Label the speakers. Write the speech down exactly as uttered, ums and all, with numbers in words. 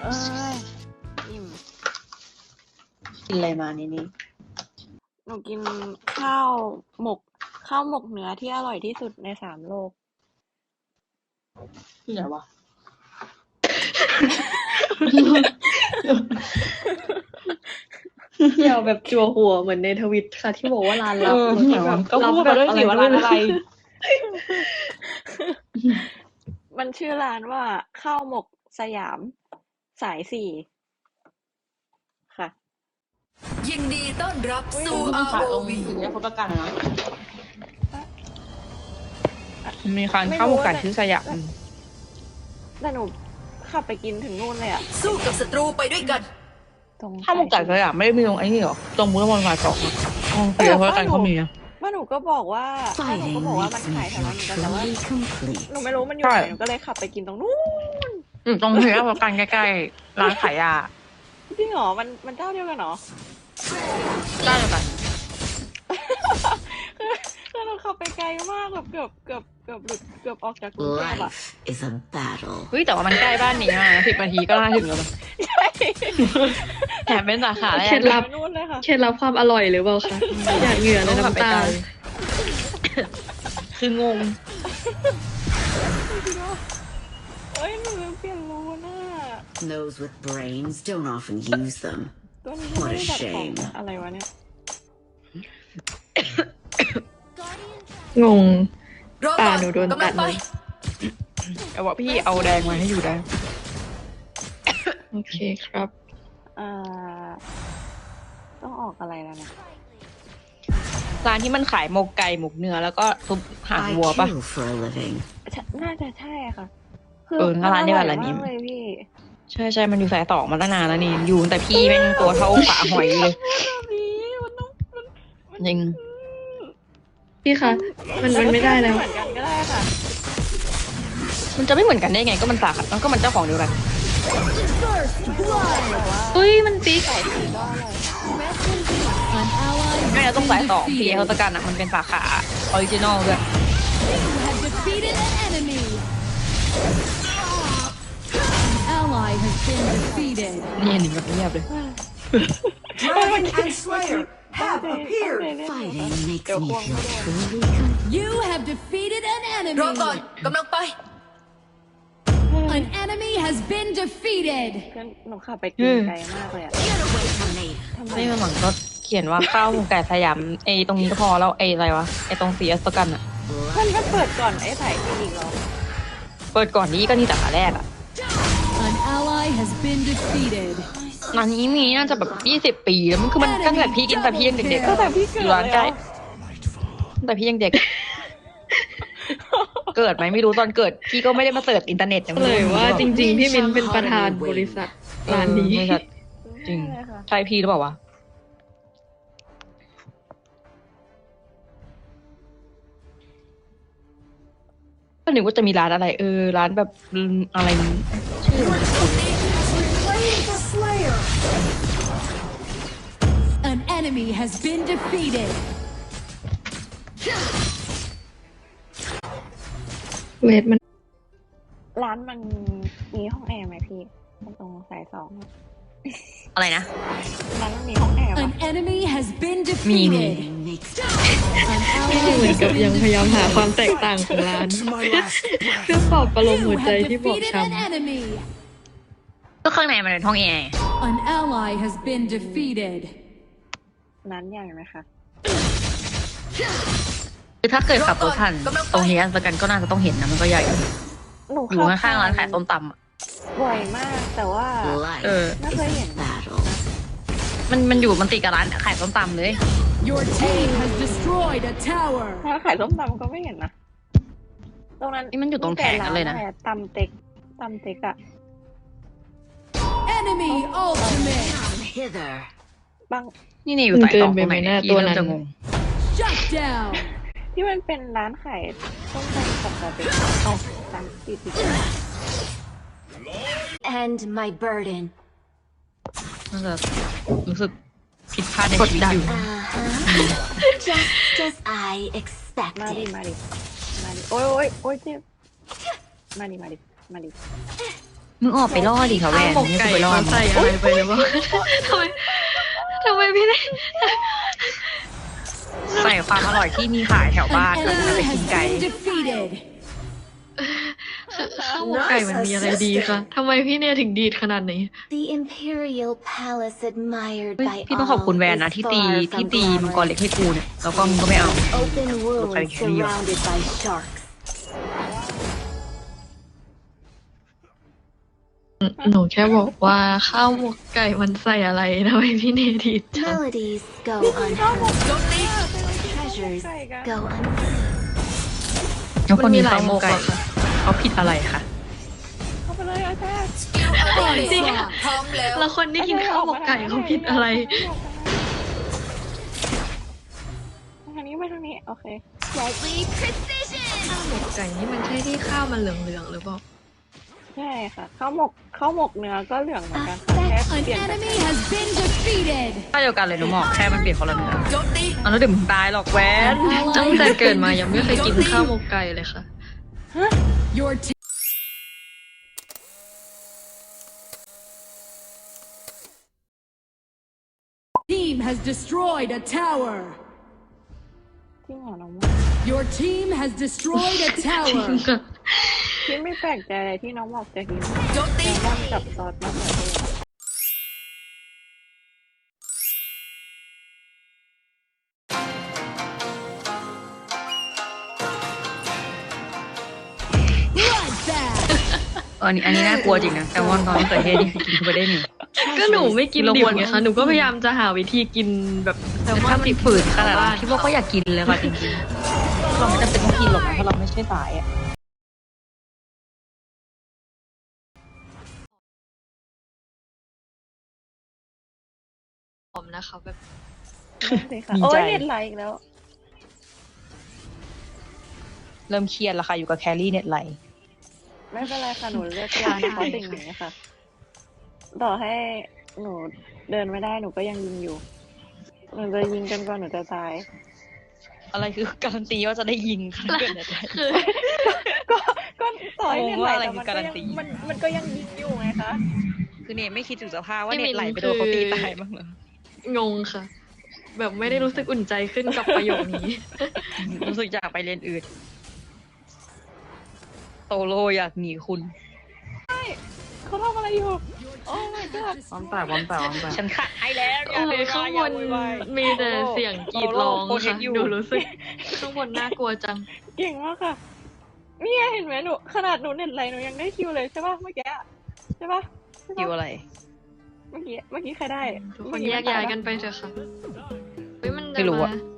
Speaker 1: เอ้ยอิ่ม
Speaker 2: กินอะไรมานี่นี่
Speaker 1: หนูกินข้าวหมกข้าวหมกเนื้อที่อร่อยที่สุดในสามโลก
Speaker 2: ที่ไหนวะเกี่ยวแบบจั่วหัวเหมือนในทวิตค่ะที่บอกว่าร้านลับแบบ
Speaker 3: ก็พูดมาด้วยสิว่าร้านอะไร
Speaker 1: มันชื่อร้านว่าข้าวหมกสยามสายสี่ค่ะ
Speaker 4: ยินดีต้อนรับสู่
Speaker 2: อา
Speaker 4: อาร์
Speaker 2: ร์
Speaker 4: โอ
Speaker 2: โอ
Speaker 4: วี
Speaker 2: วีถึงจะพบกันนะ
Speaker 3: มีคันข้าวหมกไก่ชื่อสยาม
Speaker 1: แต่หนูขับไปกินถึงนู่นเลยอะ
Speaker 4: สู้กับศัตรูไปด้วยกัน
Speaker 1: ตรง
Speaker 3: ข้าวหมกไก่สยามไม่ได้มีตรงไอ้นี่หรอตรงมุ้งละมอนสายสองอ่ะอ๋อเดี๋ยวเพราะกันเขามีอ่ะ
Speaker 1: ว่าหนูก็บอกว่าว่าหนูก็บอกว่ามันขายแถวนั้นเหมือนกันแต่ว่าหนูไม่รู้มันอยู่ไหนหนูก็เลยขับไปกินตรงนู้น
Speaker 3: อืมตรงเฮียเพราะกันใกล้ๆร้านขายยา
Speaker 1: จริงเหรอมันมันเจ้าเดียวกันเหรอ
Speaker 3: ได้เลยกัน
Speaker 1: คือคือเราขับไปไกลมากแบบเกือบเกือบเกือบหลุดเกือบออกจากกรุงเทพอะ
Speaker 3: เฮ้ยแต่ว่ามันใกล้บ้านนี้อ่ะสิบนาทีก็น่าถึงแล้วแถมเป็นสาขาแรก
Speaker 2: เคล็ดลับ
Speaker 1: นู่นเลยค่ะ
Speaker 2: เคล็ดลับความอร่อยหรือเปล่าคะอยากเหงื่อและน้ำตา
Speaker 3: คืองง
Speaker 1: เอ้ยหนูลืมเปลี่ยนรูน่ะ
Speaker 5: Those with brains don't often use them.
Speaker 1: ตัวนี้ไม่ได้แบบของอะไรวะเนี่ย
Speaker 2: งง
Speaker 4: รอ
Speaker 2: ตา
Speaker 4: ก่อน
Speaker 2: หนูโดน
Speaker 4: กำ
Speaker 2: ตั
Speaker 4: ลั
Speaker 2: ด
Speaker 4: งไป
Speaker 2: เลย
Speaker 3: เอาว่าพี่เอาแดงมาให้อยู่ได้
Speaker 2: โอเคครับ
Speaker 1: อ่าต้องออกอะไรแล้วนะ
Speaker 3: ร้านที่มันขายหมกไก่หมกเนื้อแล้วก็ซุปหาง
Speaker 5: I
Speaker 3: วัวปะ
Speaker 5: kill for a living.
Speaker 1: น่าจะใช่ค่ะ
Speaker 3: เออร้านเดียวกันร้านนี้
Speaker 1: มากเลยพี่
Speaker 3: ใช่ใช่มันอยู่สายสองมาตั้งนานแล้วนี่อยู่แต่พี่แม่งตัวเท่าฝาหอยเลย
Speaker 1: มันต้องมัน
Speaker 3: จริง
Speaker 2: พี่คะมันมันไม่ได้แล้ว
Speaker 1: เหมือนกันก็ได้ค่ะ
Speaker 3: มันจะไม่เหมือนกันได้ไงก็มันสาขาแล้วก็มันเจ้าของเดียวกัน
Speaker 2: อุ้ยมันปิ๊ก
Speaker 3: ไม่เราต้องสายสองพี่เขาตะกันอ่ะมันเป็นสาขาออริจินอลด้วยนี่หนิงแบบเงียบเลย
Speaker 4: Dragon and Slayer have appeared.
Speaker 5: Fighting makes me feel truly complete.
Speaker 6: You have defeated an
Speaker 4: รอ
Speaker 6: enemy.
Speaker 4: ก่อนกำลังไป
Speaker 6: An enemy has been defeated.
Speaker 1: เพื่อนหนูขับไปกินไกลมากเลยอะ
Speaker 5: Get away from me.
Speaker 1: ทำไม
Speaker 3: นี่มันหลังก็เขียนว่าข้าวหมูไก่สยามไอตรงนี้ก็พอแล้วไออะไรวะไอตรงซีเอสกันอ่ะ
Speaker 1: มันก็เปิดก่อนไอ้สายที่อีกเหรอ
Speaker 3: เปิดก่อนนี้ก็นี่สาขาแรกอ่ะ
Speaker 6: An ally has been defeated.
Speaker 3: ร้านนี้มีน่าจะแบบยี่สิบปีแล้วมันคือมันตั้งแต่พี่กินแต่พี่ยังเด็กๆ
Speaker 1: ก็แต่พี่เกิ
Speaker 3: อ
Speaker 1: ด
Speaker 3: ยู่ร้านใกล้แต่พี่ยังเด็ก เกิดไหมไม่รู้ตอนเกิดพี่ก็ไม่ได้มาเสิร์ชอินเทอร์เน็ตนะ
Speaker 2: เลยว่าจริงๆ พี่มินเป็นประธานบริษัทร้านนี้
Speaker 3: บริษัทจริงใช่พี่หรือเปล่าวะก็นึกว่าจะมีร้านอะไรเออร้านแบบอะไรชื่อมันคุ้น
Speaker 6: An enemy has been defeated.
Speaker 2: เวทมัน
Speaker 1: ร้านมันมีห้องแอร์ไหมพี่ตรงสายสองอะ
Speaker 3: อะไรนะ
Speaker 1: ร้านมันมีห้องแอร์ปะ
Speaker 6: An enemy has been
Speaker 3: มีมี
Speaker 6: defeated.
Speaker 5: Makes
Speaker 6: An
Speaker 2: พี่
Speaker 6: ally
Speaker 2: เหมือน
Speaker 6: has
Speaker 2: กับ
Speaker 6: been
Speaker 2: ยังพยายามหาความแตก
Speaker 6: defeated.
Speaker 2: ต่างของร้าน เพื่อปลอบประโลม
Speaker 6: You
Speaker 2: หัวใจ
Speaker 6: have
Speaker 2: ที่บอบ
Speaker 6: defeated
Speaker 2: ช้
Speaker 6: an enemy.
Speaker 3: ก็ข้างในมันเป็นห้องแอร์
Speaker 6: An ally has been defeated.
Speaker 1: ร้านใหญ่ไหมคะ
Speaker 3: คือถ้าเกิดขับรถผ่านตรงนี้สกันก็น่าจะต้องเห็นนะมันก็ใหญ่
Speaker 1: หนู
Speaker 3: อยู่ข้างๆร้านขายส้มตำอ่ะ
Speaker 1: บ่อยมากแต่ว่า
Speaker 5: life
Speaker 3: เออ
Speaker 1: ไม่เคยเห็น
Speaker 5: battle.
Speaker 3: มันมันอยู่มันติดกับร้านขายส้มตำเลย
Speaker 6: Your team has destroyed a tower.
Speaker 1: ถ้าขายส้มตำก็ไม่เห็นนะตรงนั้น
Speaker 3: นี่มันอยู่ตรงแผงกันเลยนะ
Speaker 1: มีแต่ร้าอไรตำเต็กตำเต็กอะ
Speaker 6: Enemy ultimate.
Speaker 5: Come hither.
Speaker 1: บาง
Speaker 3: นี่นี่อยู่ใต้ตองตรงไหนเนี่ยพี่เริ่มจะงง
Speaker 6: Shut down.
Speaker 1: ที่มันเป็นร้านขายส้มตำปกติเอาตำติดติด
Speaker 5: And my burden.
Speaker 3: น่าจะรู้สึกผิดพลาดในชีวิตอยู่
Speaker 5: Uh-huh. Just as I
Speaker 1: มาดิ
Speaker 5: expected.
Speaker 1: มาดิมาดิโอ้ยโอ้ยโอ้ยเจ็บมาดิมาดิมาดิ
Speaker 3: มึงออกไปล่อดิค่ะแว
Speaker 2: ข้าวน หมก
Speaker 3: มึง
Speaker 2: ไก่
Speaker 3: ไปล่อ
Speaker 2: เขาใส่อะไรไปหรือเปล่าทำไมทำไมพี่เนี่ย
Speaker 3: ใส่ความอร่อยที่มีขายแถวบ้าน
Speaker 6: An
Speaker 3: ก็จะไป
Speaker 6: enemy
Speaker 3: กิน
Speaker 6: has
Speaker 3: ไก่
Speaker 6: been defeated.
Speaker 2: ข้าวหมกไก่มันมีอะไรดีคะทำไมพี่เนี่ยถึงดีดขนาดนี้
Speaker 5: The imperial palace admired
Speaker 3: เฮ้ย
Speaker 5: by
Speaker 3: พี่ต้องขอบคุณ
Speaker 5: all
Speaker 3: แวนนะ
Speaker 5: is
Speaker 3: ที่ตี
Speaker 5: far
Speaker 3: ที่
Speaker 5: from
Speaker 3: ตีมังกร
Speaker 5: glamorous.
Speaker 3: เล็กให้กูเนี่ยแล้วก็มึงก็ไม่เอา
Speaker 5: Open wounds
Speaker 3: Okay, here you go.
Speaker 5: surrounded by sharks.
Speaker 2: หนูแค่บอกว่าข้าวหมกไก่มันใส่อะไรทำไมพี่เนดีดจัง
Speaker 5: Melodies go unheard. Treasures go unseen.
Speaker 3: แล้วคนนี้
Speaker 2: มันมีหลาย
Speaker 3: ข้าวหมกไก่
Speaker 2: หมกเหรอคะ
Speaker 3: เขาผิดอะไรคะ
Speaker 1: เข้าไปเลยอาจารย์
Speaker 2: จริง
Speaker 4: พร้อมแล้ว
Speaker 2: แล้วคนที่กินข้าวหมกไก่เขาผิดอะไร
Speaker 1: ทางนี้ไปทางนี้โอเค
Speaker 2: ข้าวหมกไก่นี่มันใช่ที่ข้าวมันเหลืองๆหรือเปล่า
Speaker 1: ใช่ค่ะข้าวหมกข้าวหมกเนื้อก็เหลืองเหมือนกันค่ะแค่
Speaker 6: An
Speaker 1: เปลี่ยน
Speaker 6: enemy has been defeated.
Speaker 3: ข้าวเดียวกันเลยหนูหมอกแค่มันเปลี่ยนคนละเนื้อ
Speaker 4: โจมตี
Speaker 3: เอาแล้วเดี๋ยวมึงตายหรอกแวน
Speaker 2: ตั้งแต่เกิดมายังไม่เคยกินข้าวหมกไก่เลยค่ะ
Speaker 6: Your team. Team has destroyed a tower.
Speaker 1: ที่หมอน้อง
Speaker 6: Your team has destroyed a tower.
Speaker 1: ที่ไม่แปลกใจเลยที่น้องบอกจะกิน
Speaker 4: โจมตี
Speaker 1: แซลมอนกับซอสมะเขือเทศ
Speaker 6: Bloodbath.
Speaker 3: เอออันนี้อันนี้น่ากลัวจริงนะแซลมอนตอนมะเขือเทศนี่คือกินเข้าไปได้หนึ่ง
Speaker 2: ก็หนูไม่กินดิบไงคะหนูก็พยายามจะหาวิธีกินแบบแซลมอน
Speaker 3: ถ้า
Speaker 2: ดิ
Speaker 3: ติ
Speaker 2: บ
Speaker 3: ดฝืนขนาด
Speaker 2: บ้า
Speaker 3: นั้นคิดว่าก็อยากกินเลยค่ะจริงๆเราไม่จำเป็นต้องกินหรอกนะเพราะเราไม่ใช่สายอ่ะ
Speaker 2: หอมนะคะแบบ
Speaker 1: นั่นสิค่ะ
Speaker 3: ดี
Speaker 1: โอ้
Speaker 3: ใจ
Speaker 1: ยเน็ตไหลอีกแล้ว
Speaker 3: เริ่มเครียดแล้วค่ะอยู่กับแครี่เน็ตไหล
Speaker 1: ไม่เป็นไรค่ะหนูเลือกเล่นเพราะสิ่งนี้ค่ะ ต่อให้หนูเดินไม่ได้หนูก็ยังยิงอยู่ หนูจะยิงจนกว่าหนูจะตาย
Speaker 3: อะไรคือการันตีว่าจะได้ยิงค่ะเกิดอะไร
Speaker 2: คือ
Speaker 1: ก็ก็ต่อให้เน็ตไหล
Speaker 3: งงว่าอะไร
Speaker 1: แต่มัน
Speaker 3: คือ
Speaker 1: ก็
Speaker 3: การัน
Speaker 1: ยัง
Speaker 3: ตี
Speaker 1: มันมันก็ยังยิงอยู่ไงคะ
Speaker 3: คือเนี่ยไม่คิดถึงสภาพว่า
Speaker 2: พี่
Speaker 3: เน็
Speaker 2: มิ
Speaker 3: ต
Speaker 2: น
Speaker 3: ไหลไปโดน
Speaker 2: คือ
Speaker 3: เขาตีตายบ้างเหรอง
Speaker 2: งค่ะ แบบไม่ได้รู้สึกอุ่นใจขึ้นกับประโยคนี้
Speaker 3: รู้สึกอยากไปเรียนอื่น โตโลอยากหนีคุณ
Speaker 1: เขาทำอะไรอยู่ โอ้ my god
Speaker 3: วอมแต่วอมแต่วอมแต่ฉันขายแล้ว
Speaker 2: โอ้ยข้างบนมีแต่เสียงกรีดร้องค่ะหนูรู้สึกข้างบนน่ากลัวจัง
Speaker 1: เก่งมากค่ะเนี่ยเห็นไหมหนูขนาดหนูเน็ตไหลหนูยังได้คิวเลยใช่ป่ะเมื่อกี้อะใช่ป่ะใช่
Speaker 3: อยู่
Speaker 1: ปะ
Speaker 3: อะไร
Speaker 1: เมื่อกี้เมื่อกี้ใครได้
Speaker 2: ทุกคนแยกย้ายกันไปเถอะค่ะเฮ้ยมัน
Speaker 3: ไม่
Speaker 2: จะ
Speaker 3: รู้
Speaker 2: มา
Speaker 3: อะ